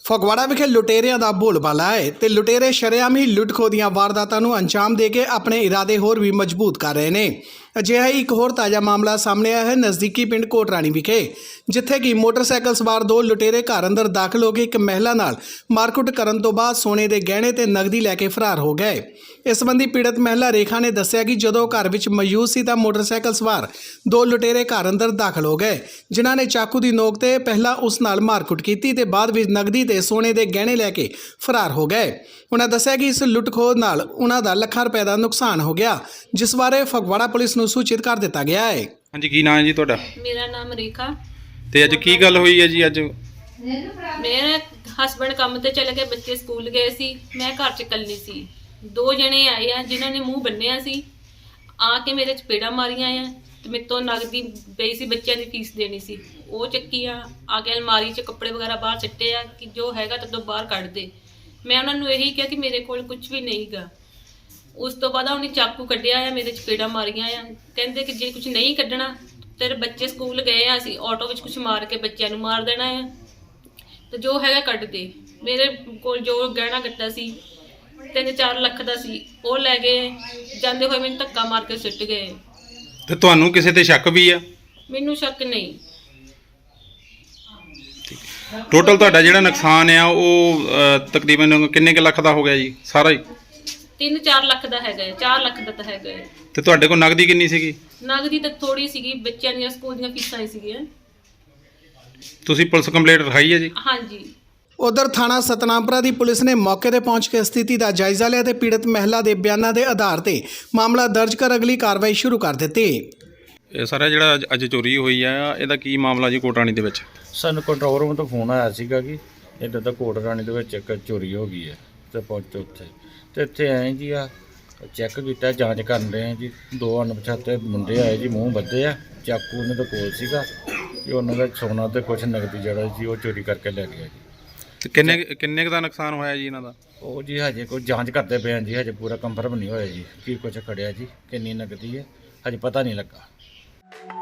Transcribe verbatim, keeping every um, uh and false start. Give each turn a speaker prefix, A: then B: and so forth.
A: ਫਗਵਾੜਾ ਵਿਖੇ ਲੁਟੇਰਿਆਂ ਦਾ ਬੋਲਬਾਲਾ ਹੈ ਤੇ ਲੁਟੇਰੇ ਸ਼ਰੇਆਮ ਹੀ ਲੁੱਟ-ਖੋਹ ਦੀਆਂ ਵਾਰਦਾਤਾਂ ਨੂੰ ਅੰਜਾਮ ਦੇ ਕੇ ਆਪਣੇ ਇਰਾਦੇ ਹੋਰ ਵੀ ਮਜ਼ਬੂਤ ਕਰ ਰਹੇ ਨੇ। ਅਜਿਹਾ ਹੀ ਇੱਕ ਹੋਰ ਤਾਜ਼ਾ ਮਾਮਲਾ ਸਾਹਮਣੇ ਆਇਆ ਹੈ ਨਜ਼ਦੀਕੀ ਪਿੰਡ ਕੋਟਰਾਣੀ ਵਿਖੇ, ਜਿੱਥੇ ਕਿ ਮੋਟਰਸਾਈਕਲ ਸਵਾਰ ਦੋ ਲੁਟੇਰੇ ਘਰ ਅੰਦਰ ਦਾਖਲ ਹੋ ਕੇ ਇੱਕ ਮਹਿਲਾ ਨਾਲ ਮਾਰਕੁੱਟ ਕਰਨ ਤੋਂ ਬਾਅਦ ਸੋਨੇ ਦੇ ਗਹਿਣੇ ਤੇ ਨਕਦੀ ਲੈ ਕੇ ਫਰਾਰ ਹੋ ਗਏ। ਇਸ ਸੰਬੰਧੀ ਪੀੜਤ ਮਹਿਲਾ ਰੇਖਾ ਨੇ ਦੱਸਿਆ ਕਿ ਜਦੋਂ ਘਰ ਵਿੱਚ ਮੌਜੂਦ ਸੀ ਤਾਂ ਮੋਟਰਸਾਈਕਲ ਸਵਾਰ ਦੋ ਲੁਟੇਰੇ ਘਰ ਅੰਦਰ ਦਾਖਲ ਹੋ ਗਏ, ਜਿਨ੍ਹਾਂ ਨੇ ਚਾਕੂ ਦੀ ਨੋਕ ਤੇ ਪਹਿਲਾਂ ਉਸ ਨਾਲ ਮਾਰਕੁੱਟ ਕੀਤੀ ਤੇ ਬਾਅਦ ਵਿੱਚ ਨਕਦੀ ਤੇ ਸੋਨੇ ਦੇ ਗਹਿਣੇ ਲੈ ਕੇ ਫਰਾਰ ਹੋ ਗਏ। ਉਹਨਾਂ ਦੱਸਿਆ ਕਿ ਇਸ ਲੁੱਟ-ਖੋਹ ਨਾਲ ਉਹਨਾਂ ਦਾ ਲੱਖਾਂ ਰੁਪਏ ਦਾ ਨੁਕਸਾਨ ਹੋ ਗਿਆ, ਜਿਸ ਬਾਰੇ ਫਗਵਾੜਾ ਪੁਲਿਸ ਨੂੰ ਸੂਚਿਤ ਕਰ ਦਿੱਤਾ ਗਿਆ ਹੈ।
B: ਹਾਂਜੀ, ਕੀ ਨਾਮ ਹੈ ਜੀ ਤੁਹਾਡਾ?
C: ਮੇਰਾ ਨਾਮ ਰੇਖਾ।
B: ਤੇ ਅੱਜ ਕੀ ਗੱਲ ਹੋਈ ਹੈ ਜੀ? ਅੱਜ
C: ਮੇਰੇ ਹਸਬੰਡ ਕੰਮ ਤੇ ਚਲੇ ਗਏ, ਬੱਚੇ ਸਕੂਲ ਗਏ ਸੀ, ਮੈਂ ਘਰ 'ਚ ਇਕੱਲੀ ਸੀ। ਦੋ ਜਣੇ ਆਏ ਆ ਜਿਨ੍ਹਾਂ ਨੇ ਮੂੰਹ ਬੰਨਿਆ ਸੀ, ਆ ਕੇ ਮੇਰੇ ਚਪੇੜਾਂ ਮਾਰੀਆਂ ਆ ਤੇ ਮੇਰੇ ਤੋਂ ਨਗਦੀ ਪਈ ਸੀ, ਬੱਚਿਆਂ ਦੀ ਫੀਸ ਦੇਣੀ ਸੀ, ਉਹ ਚੱਕੀਆਂ। ਆ ਕੇ ਅਲਮਾਰੀ 'ਚ ਕੱਪੜੇ ਵਗੈਰਾ ਬਾਹਰ ਸਿੱਟੇ ਆ ਕਿ ਜੋ ਹੈਗਾ ਤੇ ਤੋਂ ਬਾਹਰ ਕੱਢ ਦੇ। ਮੈਂ ਉਹਨਾਂ ਨੂੰ ਇਹੀ ਕਿਹਾ ਕਿ ਮੇਰੇ ਕੋਲ ਕੁਝ ਵੀ ਨਹੀਂਗਾ। ਉਸ ਤੋਂ ਬਾਅਦ ਉਹਨੇ ਚਾਕੂ ਕੱਢਿਆ ਆ, ਮੇਰੇ ਚਪੇੜਾਂ ਮਾਰੀਆਂ ਆ। ਕਹਿੰਦੇ ਕਿ ਜੇ ਕੁਝ ਨਹੀਂ ਕੱਢਣਾ ਤੇਰੇ ਬੱਚੇ ਸਕੂਲ ਗਏ ਆ, ਅਸੀਂ ਆਟੋ ਵਿੱਚ ਕੁਝ ਮਾਰ ਕੇ ਬੱਚਿਆਂ ਨੂੰ ਮਾਰ ਦੇਣਾ ਆ, ਤੇ ਜੋ ਹੈਗਾ ਕੱਢ ਦੇ। ਮੇਰੇ ਕੋਲ ਜੋ ਗਹਿਣਾ ਗੱਟਾ ਸੀ ਤਿੰਨ ਚਾਰ ਲੱਖ ਦਾ ਸੀ, ਉਹ ਲੈ ਗਏ। ਜਾਂਦੇ ਹੋਏ ਮੈਨੂੰ ਧੱਕਾ ਮਾਰ ਕੇ ਸੁੱਟ ਗਏ।
B: ਤੇ ਤੁਹਾਨੂੰ ਕਿਸੇ ਤੇ ਸ਼ੱਕ ਵੀ ਆ?
C: ਮੈਨੂੰ ਸ਼ੱਕ ਨਹੀਂ।
B: ਟੋਟਲ ਤੁਹਾਡਾ ਜਿਹੜਾ ਨੁਕਸਾਨ ਆ ਉਹ ਅਹ, ਤਕਰੀਬਨ ਕਿੰਨੇ ਕੁ ਲੱਖ ਦਾ ਹੋ ਗਿਆ ਜੀ ਸਾਰਾ ਹੀ?
C: ਤਿੰਨ ਚਾਰ ਲੱਖ ਦਾ ਹੈਗਾ ਹੈ, ਚਾਰ ਲੱਖ ਦਾ ਤਾਂ ਹੈਗਾ ਹੈ।
B: ਤੇ ਤੁਹਾਡੇ ਕੋਲ ਨਗਦੀ ਕਿੰਨੀ ਸੀਗੀ?
C: ਨਗਦੀ ਤਾਂ ਥੋੜੀ ਸੀਗੀ, ਬੱਚਿਆਂ ਦੀਆਂ ਸਕੂਲ ਦੀਆਂ ਫੀਸਾਂ ਹੀ ਸੀਗੀਆਂ।
B: ਤੁਸੀਂ ਪੁਲਿਸ ਕੰਪਲੇਂਟ ਲਿਖਾਈ ਹੈ ਜੀ?
C: ਹਾਂਜੀ।
A: ਉਧਰ ਥਾਣਾ ਸਤਨਾਮਪੁਰਾ ਦੀ ਪੁਲਿਸ ਨੇ ਮੌਕੇ ਤੇ ਪਹੁੰਚ ਕੇ ਸਥਿਤੀ ਦਾ ਜਾਇਜ਼ਾ ਲਿਆ ਤੇ ਪੀੜਤ ਮਹਿਲਾ ਦੇ ਬਿਆਨਾਂ ਦੇ ਆਧਾਰ ਤੇ ਮਾਮਲਾ ਦਰਜ ਕਰ ਅਗਲੀ ਕਾਰਵਾਈ ਸ਼ੁਰੂ ਕਰ ਦਿੱਤੀ।
B: ਇਹ ਸਾਰਾ ਜਿਹੜਾ ਅੱਜ- ਅੱਜ ਚੋਰੀ ਹੋਈ ਆ, ਇਹਦਾ ਕੀ ਮਾਮਲਾ ਜੀ ਕੋਟਰਾਣੀ ਦੇ ਵਿੱਚ?
D: ਸਾਨੂੰ ਕੰਟਰੋਲ ਰੂਮ ਤੋਂ ਫੋਨ ਆਇਆ ਸੀਗਾ ਕਿ ਇੱਦਾਂ ਦਾ ਕੋਟਰਾਣੀ ਦੇ ਵਿੱਚ ਇੱਕ ਚੋਰੀ ਹੋ ਗਈ ਹੈ ਤੇ ਪਹੁੰਚੋ ਉੱਥੇ। ਤੇ ਇੱਥੇ ਆਏ ਜੀ ਆ ਚੈੱਕ ਕੀਤਾ, ਜਾਂਚ ਕਰਨ ਰਹੇ ਜੀ। ਦੋ ਅਣਪਛਾਤੇ ਮੁੰਡੇ ਆਏ ਜੀ, ਮੂੰਹ ਬੱਧੇ ਆ, ਚਾਕੂ ਉਹਨਾਂ ਦੇ ਕੋਲ ਸੀਗਾ ਕਿ ਉਹਨਾਂ ਦਾ ਸੋਨਾ ਤੇ ਕੁਛ ਨਗਦੀ ਜਿਹੜਾ ਜੀ ਉਹ ਚੋਰੀ ਕਰਕੇ ਲੈ ਗਿਆ ਜੀ।
B: ਤੇ ਕਿੰਨੇ ਕਿੰਨੇ ਕੁ ਦਾ ਨੁਕਸਾਨ ਹੋਇਆ ਜੀ ਇਹਨਾਂ ਦਾ?
D: ਉਹ ਜੀ ਹਜੇ ਕੋਈ ਜਾਂਚ ਕਰਦੇ ਪਏ ਆ ਜੀ, ਹਜੇ ਪੂਰਾ ਕੰਫਰਮ ਨਹੀਂ ਹੋਇਆ ਜੀ ਕੀ ਕੁਛ ਖੜਿਆ ਜੀ, ਕਿੰਨੀ ਨਗਦੀ ਹੈ ਹਜੇ ਪਤਾ ਨਹੀਂ ਲੱਗਾ।